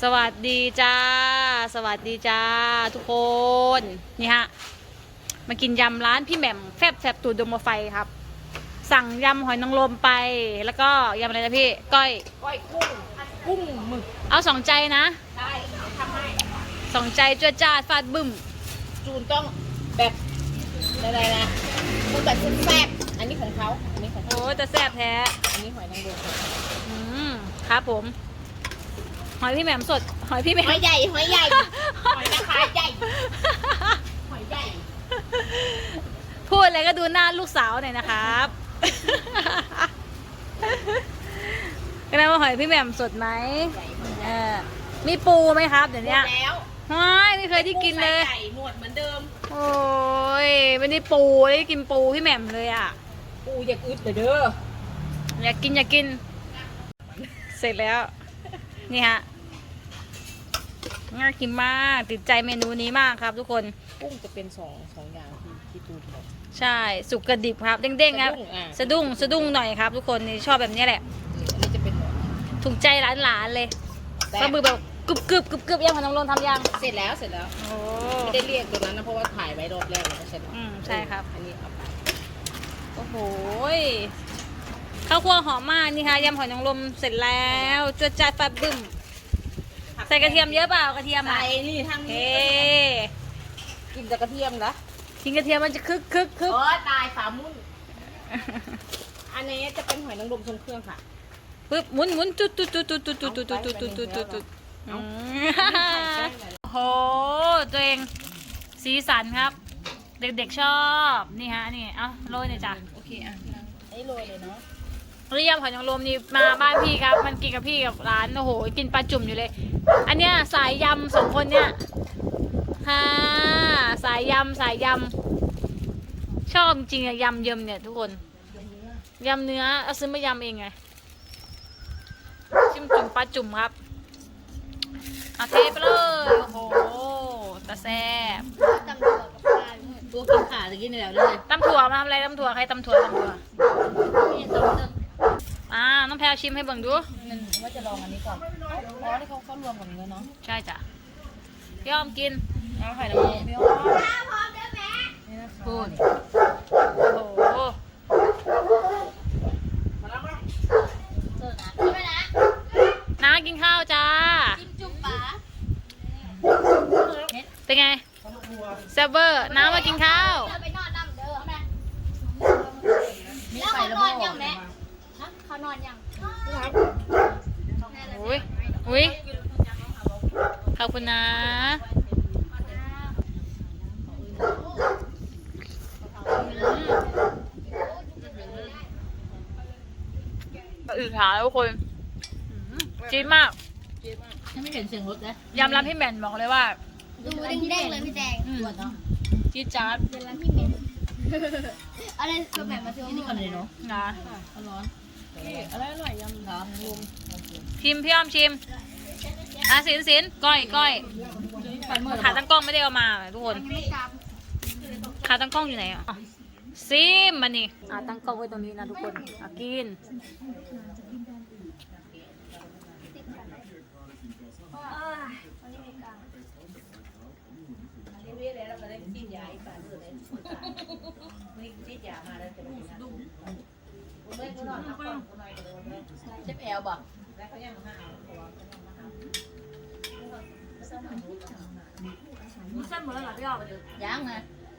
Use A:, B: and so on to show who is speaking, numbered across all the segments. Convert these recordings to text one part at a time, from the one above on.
A: สวัสดีจ้าสวัสดีจ้าทุกคน นี่ฮะมากินยำร้านพี่แหม่มแฟบแสบตูดดมไฟครับสั่งยำหอยนางรมไปแล้วก็ยำอะไรนะพี่ก้อย
B: กุ้งหมึก
A: เอาสองใจนะ
B: ได้ทำให้
A: สองใจจ้วจ้าฟาดบึ้ม
B: จูนต้องแบบอะไรนะกุ้งแบบแซ่บๆอันนี้ของเขาอันนี้ของเขา
A: โอ้แต่แซ่บแท้
B: อันนี้หอยนางรม
A: ครับผมหอยพี่แหม่มสดหอยพี่แหม่ม
B: หอยใหญ่หอยนะคะใหญ่หอยใหญ่
A: พูดอะไรก็ดูหน้าลูกสาวหน่อยนะครับก็ได้ว่าหอยพี่แหม่มสดไหมมีปูไหมครับเดี๋ยวนี้
B: แล้ว
A: ไม่เคยที่กินเลย
B: ใหญ่หมดเหมือนเดิม
A: โอ้ยไม่ได้ปูได้กินปูพี่แหม่มเลยอ่ะ
B: ปูอยากอึดเด้อ
A: อยากกินเสร็จแล้วนี่ฮะน่ากินมากติดใจเมนูนี้มากครับทุกคน
B: กุ้งจะเป็นสองอย่างที่ตูนบอก
A: ใช่สุกกระดิบครับเด้งๆครับสะดุ้งหน่อยครับทุกคนนี่ชอบแบบนี้แหละ
B: อันนี้จะเป็น
A: ถูกใจหลานๆเลยก็มือแบบกรึบยังของน้องลนทำยัง
B: เสร็จแล้ว
A: โอ้
B: ไม่ได้เรียกตัวนั้นนะเพราะว่าถ่ายไว้รอบแรกแล้วก็เสร็จ
A: ใช่ครับ
B: อันนี้เอาไป
A: โอ้โหข้าวคั่วหอมมากนี่ค่ะยำหอยนางรมเสร็จแล้วจวดจ้าดฟาดบึ้มใส่กระเทียมเยอะเปล่ากระเทียม
B: ใส่นี่ทางนี้กินแต่กระเทียมนะ
A: กินกระเทียมมันจะคึก
B: โอ้ตายฝามุ้นอันนี้จะเป็นหอยนางรมทรงเครื่องค่ะ
A: ปึ๊บหมุนจุดโอ้โหตัวเองสีสันครับเด็กๆชอบนี่ฮะนี่เอาโรยหน่อยจ้ะ
B: โอเคอ่ะไอ้โรยเลยเนาะ
A: เรียมหอยนางรมนี่มาบ้านพี่ครับมันกินกับพี่กับร้านโอ้โหกินปลาจุ่มอยู่เลยอันเนี้ยสายยำสองคนเนี้ยค่ะสายยำชอบจริงอะยำเยิมเนี่ยทุกคนยำเนื้อเอาซื้อมายำเองไงจิ้มจุ่มปลาจุ่มครับเอาเทไปเลยโอ้โหตะแซ่บ
B: ตัวกินขาตะกี้นี่แล้วเลย
A: ตำถั่วมาทำอะไรตำถั่วใครตำถั่วน้องแพรชิมให้เบิ่งดู
B: ว่าจะลองอันนี้ก่อนอ๋อที่เขารวมกับเนื้อเนาะ
A: ใช่จ้ะพี่อ้อมกิน
B: เอาไข่น้ำมันพี่อ้อม
A: พูดโอ้โหน้ากินข้าวจ้าเป็นไงเซเวอร์น้ามากินข้าว
C: แล้วเขานอนยังแม่เขานอนยัง
A: อุ้ยขอบคุณนะอืดหาแล้วทุกคนจี๊ดมาก
B: ไม่เห็นเสียงรถนะ
A: ยำร้านพี่แหม่มบอกเลยว่า
C: ดูเด้งเลยพี่แดง
A: จี๊ดจ๊าด
C: เดี๋ยวร้านพี่แหม่มอะไรก็แบบมาซื้อ
B: นี่ก่อนเลยเนาะ
A: นะ
B: ร้อนอะไรอร่อยยำร้อนรวม
A: ชิมพี่อ้อมชิมสินก้อยขาตั้งกล้องไม่ได้เอามาทุกคนขาตั้งกล้องอยู่ไหนอ่ะซิมมันนี่ตั้งกล้องไว้ตรงนี้นะทุกคนกิน
B: เชฟแอลบอก
A: มีเส้นหมดแล้วเหรอพี่อ้อม
B: ยังไง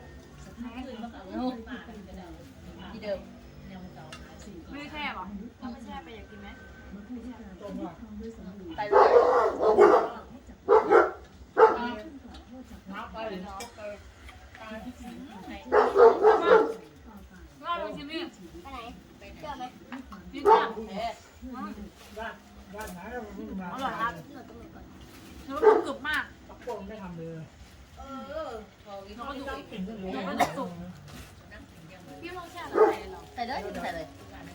B: ที่เดิม
A: ไม่ได้แช่หรอไม่แช่ไปอยากกินไหม
B: ไปเลย
A: ว่าลองชิมดิ
C: ไปไหนเชื่อไหม
A: กินจ้ะอร่อยครับเนื้อมันกรึบมาก
D: ตะโกนไม่ทำเลย
A: เราก็สุกพี่ลองแช่อะไรหรอ
B: ใส่เลยใส่เลย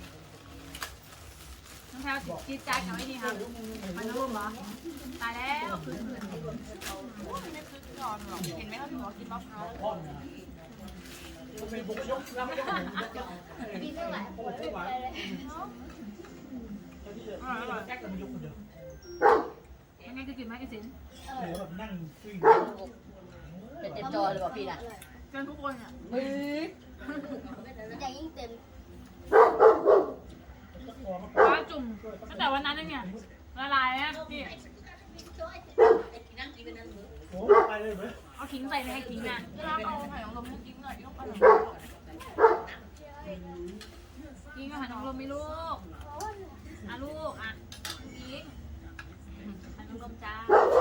A: น้องแพลวจีดจ้าดกับไอ้นี่ค่ะมันนุ่มเหรอตายแล้วไม่คึกก่อนหรอกเห็นไหมเขาถึงบอกกินบ๊อบเขา
D: เป็นบุกยกแล้วไม่ได้
C: กินไม่ไหวปวดไม่ไหวเลย
D: แจ็คกับยกคนเดียว
A: ยังไงคือกินไหมไอ้สิน
D: หรือแบบนั่งฟิ้ง
B: เป็นเต็มจอเลยบอกพี่น่ะ
A: เกินทุกคนอ่ะ
B: มือ
C: อย่างยิ่งเต็ม
A: ว้าจุ่มตั้งแต่วันนั้นเนี่ยละลายนะพี่
D: โอ้ไปเลยไหม
A: เอาขิงใส่ในไอ้ขิงอ่ะ
B: เอาไข่ของลมกินหน่อยยกไป
A: กินก็หันน้องลมไม่ลูกอ่ะลูกอ่ะกินหันน้องลมจ้า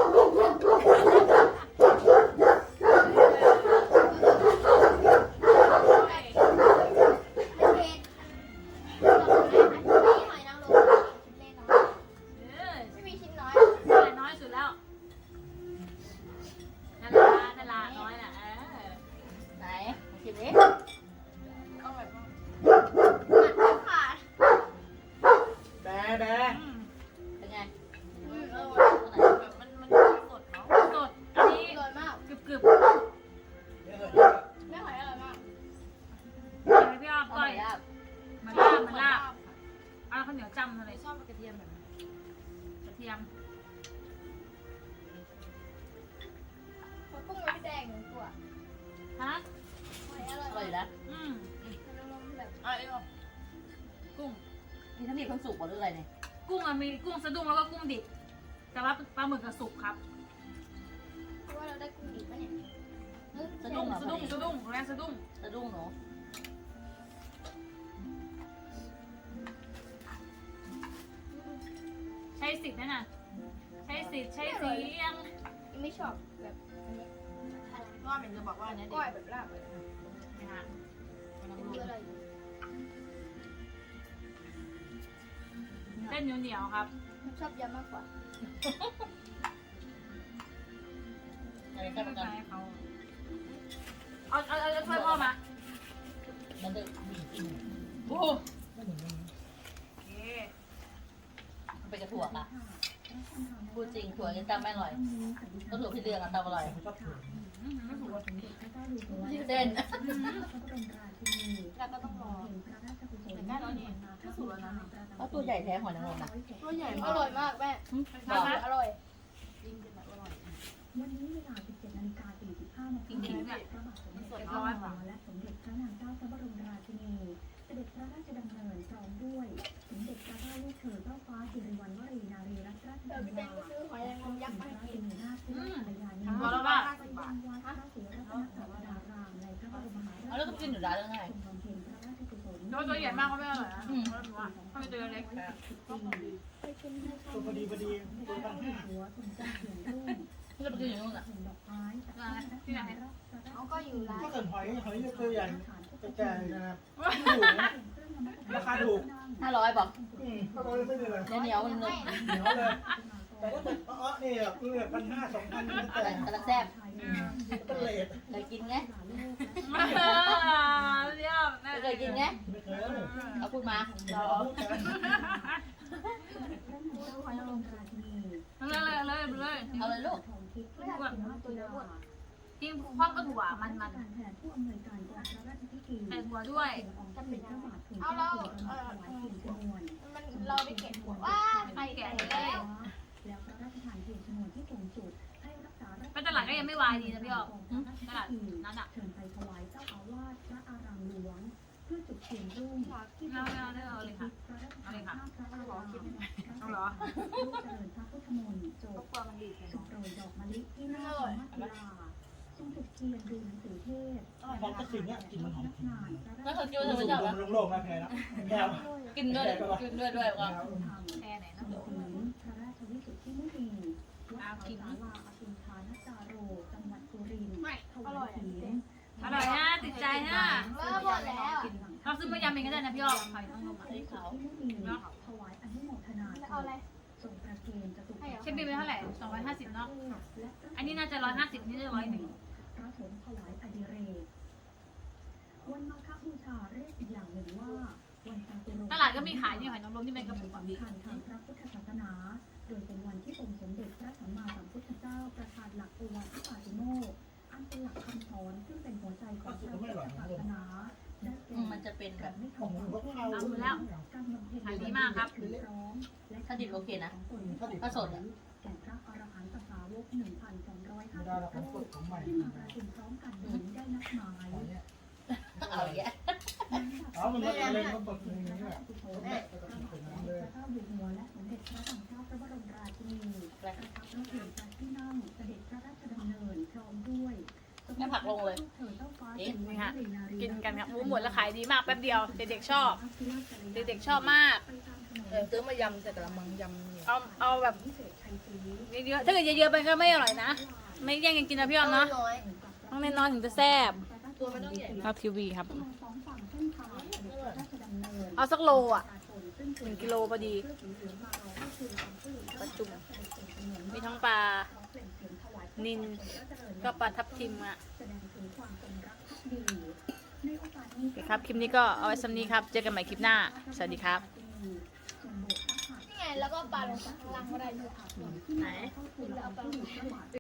C: เผ็ดหอยนางรมเล่นน้อย ไม่มีชิ้นน้อย
A: แต่น้อยสุดแล้วนาราน้อยน่ะ
B: ไหนกินนี้
C: ขาด
D: แบะแบะ
B: เป็นไง
C: มัน
B: สดเนาะ
A: สดอันนี้
C: อร่อยมาก
A: กรึบ
D: เยอะเลย
C: แม่หอยอร่อยมาก
A: ๆพี่อ้อม
B: อ
A: ก้
B: ร่
A: อ
B: อย ยอ่ะ
A: มันลาบเอาข้าวเหนียวจำอะไร
B: ชอบกระเทียมแบบ
A: กระเทียม
C: มันกุ้งมันแดงหนึ่งตัว
A: ฮะ
C: หอยอร่อย
B: อร่อยอยู่แล้ว
A: อืม
C: นางรมแบบ
A: กุ้ง
B: นี่ถ้ามีคนสุกหรืออะไรเนี่ย
A: กุ้งอะมีกุ้งสะดุ้งแล้วก็กุ้งดิบแต่ว่าปลาหมึกกับสุกครับ
C: เพราะว่าเราได้กุ้งดิบปะเนี่ย
B: สะดุ้งเหรอ
A: สะดุ้งสะดุ้งแรงสะดุ้ง
B: สะดุ้งหนู
A: ใช้สิทธิ์นั่นน่ะใช้สิทธิ์ใช้เสียง
C: ยังไม่ชอบแบบ
B: ว่าเหมือนจะบอกว่าเนี้ย
C: ก้อยแบบลาบเลย
A: นะคะ
C: เป็นเยอะเลย
A: เส้นเหนียวๆครับ
C: ชอบยำมากกว่า
B: อะไร
A: ไม่
B: ก็
A: เป็น
B: กั
A: ไร
B: น
A: เขาเอาช่วยพ่อมา
B: มันจะ
A: โอ้
D: ไม่เหมือนกัน
A: โอเค
B: ไปกระถั่วอ่ะพูดจริงถั่วยังตำไม่อร่อยก็ถั่วพี่เรืองอ่ะตำอร่อย
D: ผมชอบถั่ว
A: ไม่ถูกว่า
B: เส้น
C: แล้วก็ต้องรอ
B: เพราะตัวใหญ่แท้หอยนางรมนะ
C: ตัวใหญ่อร่อยมากแม่
A: นะคะ
C: อร่อย
E: วันนี้เวลา 17 นาฬิกา 45 นาที
A: จริงๆเนี่ย
E: พระบาทสมเด็จ
A: สด
E: พ
A: ร้
E: ระ
A: อย
E: เจ้าก
A: ว่า
E: และสมเด็จพระนางเจ้าพระบรมราชินี เสด็จพระราชดำเนินพร้อมด้วยสมเด็จพระเจ้าลูกเธอเจ้าฟ้าสิริวัณวรีนารีรัตนราช
C: เดี๋ยว
E: กั
C: พี่
E: ญ
C: แด
E: ญาง
C: ก็ซื้อหอยนางรมยักษ์มาให้กิน
E: นาถภรรยานิ
A: บอกแล้วว่า
E: ไปยังวัดพระศรีรัตนศาสดารามในพระบรมมหาราช
B: เอาแล้วก็กินอยู่ร้านแล้วไง
E: ทรงบำเพ็ญพระราชกุศล
A: ตัวใหญ่มากก็ไม่อร่อยนะเขาเป็นตัวเล็ก
C: ไปกินให้เขา
D: ตัวพอดีตัวพันห้า
E: หัวทรงเจ้าเขียนรุ่ง
B: ที่เราไปกินอยู่นู่นอ่ะ
E: ส่งดอกไม้จากพระราช
A: ที่ไหน
C: เขาก็อยู่ร้าน
D: ก็เกินหอยตัวใหญ่กระจายนะครับถูกนะราคาถูก
B: 500บอก
D: ก็ร้อยไม่เลย
B: เหนียวๆมันเลย
D: เหนียวเลยแต่ถ้าเป็นนี่แบบ1,500 2,000นี่แต่
B: กำลังแซ่บ
D: เป็นเลท
B: เคยกินไง
A: เรียบ
B: เคยกินไง
D: ไม่เคย
B: เอาพูดมา
D: เราพูดกัน
A: เลย
B: เอาเลยลูก
A: กินพร้อมกับถั่วมัน
E: การแทนผู้อำนวยการกองพระราชพิธี
A: ใส่ถั่วด้วย
E: จะเป็นพระบาททุน
C: เอา
E: เกล้า
C: เรา
E: ถวายเทียนชนวน
C: มันเราได้เก็บหัวว่าใครแก่แล้ว
E: แล้วพระราชทานเทียนชนวนที่สูงสุดให้รักษาราช
A: ไปตลาดก็ยังไม่วายดีนะพี่ออกตลาดนั้นอ่ะ
E: เชิญไปถวายเจ้าอาวาสพระอารามหลวง เพื่อจุดเทียนรุ่งที่
A: เอาเลยค่ะ
E: พระราชทานข้ามพระอาราม
A: เอาเหรอ
E: ลูกเจริญพระพุทธมนต์โจทย์สุโปรยดอกมะลิที่หน้าธรรมศิลาทรงจุดเทียนดูหนังสือเทศ
D: พอกระสินเนี่ยกินมันหอม
B: แล้วเขาคิดว่า
D: สู
B: เธอไม่ชอบ
D: ง
B: อ่ะ
D: โล่งๆนะแพรนะแก้ว
B: กินด้วยด้วยว่า
A: แค่ไหน
E: ทรงถึงพระราชวิสุทธิมุนีวัดเขาสาลาอสุนทานจาโรจังหวัดสุรินทร์ถวายศีล
A: อร่อยนะติดใจนะ
C: เริ่มหมดแล้ว
A: เราซื้อมายำเองก็ได้นะพี่ออกหอยนางรม
E: ที่เขาที่มุนีถวายอนุโมทนา
C: เอาอะไร
E: ทรงประเคนจตุ
A: เชฟบินไปเท่าไหร่250เนาะอันนี้น่าจะ150นี่จะ101
E: พระสงฆ์ถวายอดิเรกวันมาฆบูชาเรียกอีกอย่างหนึ่งว่าวันจตุรงค์
A: ตลาดก็มีขายนี่หอยนางรมที่เป็นกระปุก
E: สำคัญทางพระพุทธศาสนา โดยเป็นวันที่องค์สมเด็จพระสัมมาสัมพุทธเจ้าประทานหลักโอวาทปาติโมกข์อันเป็นหลักคำสอนซึ่งเป็นหัวใจของพระพุทธศาสนาได้แก่
B: มันจะเป็นแบบ
E: ไม่
D: ของ
E: ทำ
D: ผมก็เข้า
A: เอาหมดแล้ว
E: การบำเพ็ญ
A: ขายดีมากครับ
E: พร้อมและ
B: ถ้าดิบโอเคนะ
E: ของตน
B: ถ้าสดอ่ะ
E: แก่พระอรหันต
D: ดาเราของสดของใหม่
E: ที่มาประชุมพร้อมกันนี้ได้นัดหมาย
D: ของเนี้ย
B: เอาอย่างเงี้ย
D: เอามันลดเลยก็สดอย่างนี้แหละ
E: พระบาทสมเด็จพระเจ้าอยู่หัวและสมเด็จพระสังฆราชพระบรมราชินีประทับรถเข็นพระที่นั่งเสด็จพระราชดำเนินพร้อมด้วย
B: ไม่ผักลงเลย
A: นี่ค่ะกินกันครับหมดแล้วขายดีมากแป๊บเดียวเด็กๆชอบเด็กๆชอบมาก
B: ซื้อมายำใส่กระมังยำ
A: เอาแบบเยอะๆถ้าเกิดเยอะๆไปก็ไม่อร่อยนะ ไม่แย่งกันกินนะพี่ออมเนาะต้องเน้นน้อยถึงจะแซ่บ
B: ตัวมันต้องใหญ่
A: เราทีวีครับ
E: สองฝั่งเส้นทางเสด็จพระราชดำเนิน
A: เอาสักโลอ่ะ1 กิโลพอดีปลาจุ่มมีทั้งปลานิลก็ปลาทับทิมอ่ะ
E: แสดงถึงความจงรักภักดีในโอกาสนี้
A: โอเคครับคลิปนี้ก็เอาไว้ซ้ำนี้ครับเจอกันใหม่คลิปหน้าสวัสดีครับ
C: นี่ไงแล้วก็ปลาลงข้างล่างก็ได้ด้วย
E: ไหนแล้วเอาปลาลงข้างล่าง